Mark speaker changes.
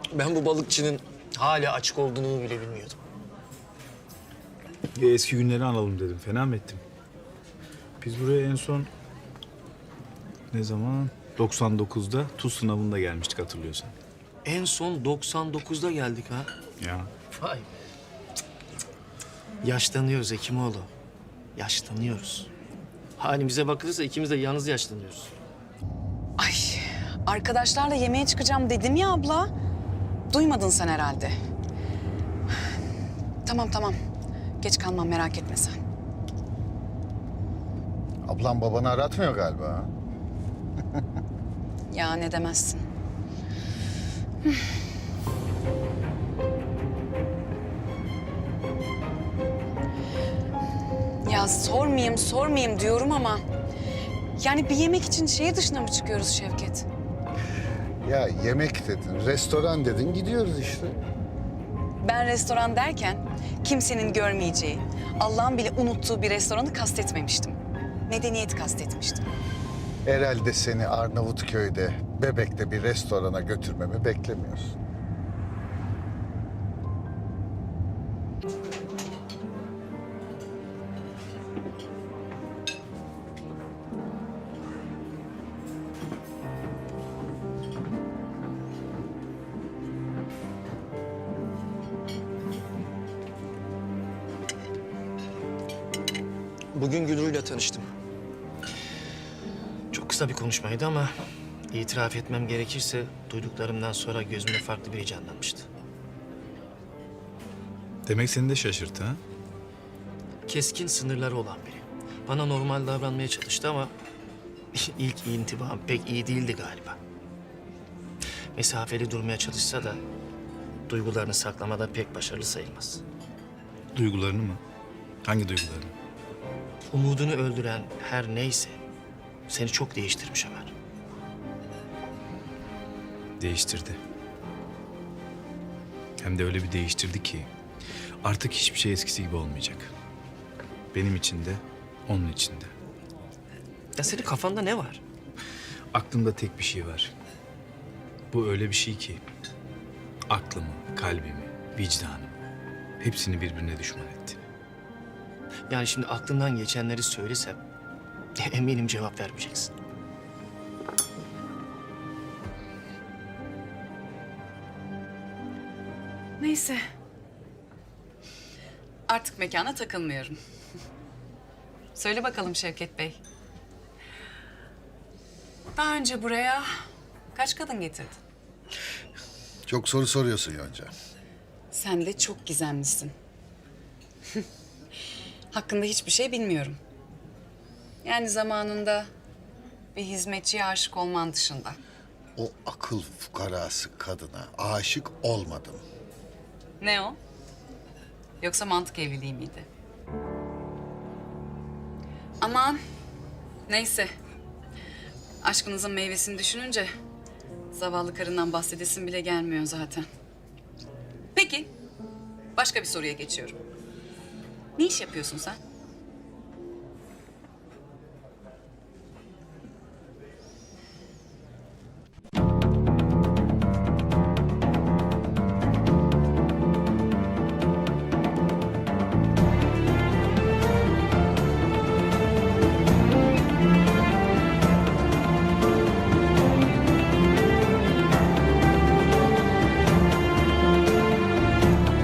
Speaker 1: Ben bu balıkçının hala açık olduğunu bile bilmiyordum.
Speaker 2: Eski günleri analım dedim. Fena mı ettim? Biz buraya en son ne zaman? 99'da tuz sınavında gelmiştik hatırlıyorsan.
Speaker 1: En son 99'da geldik ha.
Speaker 2: Ya.
Speaker 1: Vay be. Yaşlanıyoruz Hekimoğlu. Yaşlanıyoruz. Halimize bakılırsa ikimiz de yalnız yaşlanıyoruz.
Speaker 3: Ay, arkadaşlarla yemeğe çıkacağım dedim ya abla. Duymadın sen herhalde. Tamam. Geç kalmam, merak etme sen.
Speaker 4: Ablam babanı aratmıyor galiba. Ha?
Speaker 3: Ya ne demezsin. Ya sormayayım diyorum ama... Yani bir yemek için şehir dışına mı çıkıyoruz Şevket?
Speaker 4: Ya yemek dedin, restoran dedin, gidiyoruz işte.
Speaker 3: Ben restoran derken kimsenin görmeyeceği, Allah'ın bile unuttuğu bir restoranı kastetmemiştim. Medeniyet kastetmiştim.
Speaker 4: Herhalde seni Arnavutköy'de, Bebek'te bir restorana götürmemi beklemiyorsun.
Speaker 1: Bugün Gülru'yla tanıştım. Çok kısa bir konuşmaydı ama itiraf etmem gerekirse duyduklarımdan sonra gözümde farklı biri canlanmıştı.
Speaker 2: Demek seni de şaşırttı ha?
Speaker 1: Keskin sınırları olan biri. Bana normal davranmaya çalıştı ama ilk intibam pek iyi değildi galiba. Mesafeli durmaya çalışsa da duygularını saklamada pek başarılı sayılmaz.
Speaker 2: Duygularını mı? Hangi duygularını?
Speaker 1: Umudunu öldüren her neyse seni çok değiştirmiş Ömer.
Speaker 2: Değiştirdi. Hem de öyle bir değiştirdi ki artık hiçbir şey eskisi gibi olmayacak. Benim için de, onun için de.
Speaker 1: Ya senin kafanda ne var?
Speaker 2: Aklımda tek bir şey var. Bu öyle bir şey ki aklımı, kalbimi, vicdanımı hepsini birbirine düşman etti.
Speaker 1: Yani şimdi aklından geçenleri söylesem eminim cevap vermeyeceksin.
Speaker 3: Neyse. Artık mekana takılmıyorum. Söyle bakalım Şevket Bey. Daha önce buraya kaç kadın getirdin?
Speaker 4: Çok soru soruyorsun Yonca.
Speaker 3: Sen de çok gizemlisin. Hakkında hiçbir şey bilmiyorum. Yani zamanında bir hizmetçiye aşık olman dışında.
Speaker 4: O akıl fukarası kadına aşık olmadım.
Speaker 3: Ne o? Yoksa mantık evliliği miydi? Aman, neyse. Aşkınızın meyvesini düşününce zavallı karından bahsedesin bile gelmiyor zaten. Peki, başka bir soruya geçiyorum. Ne iş yapıyorsun sen?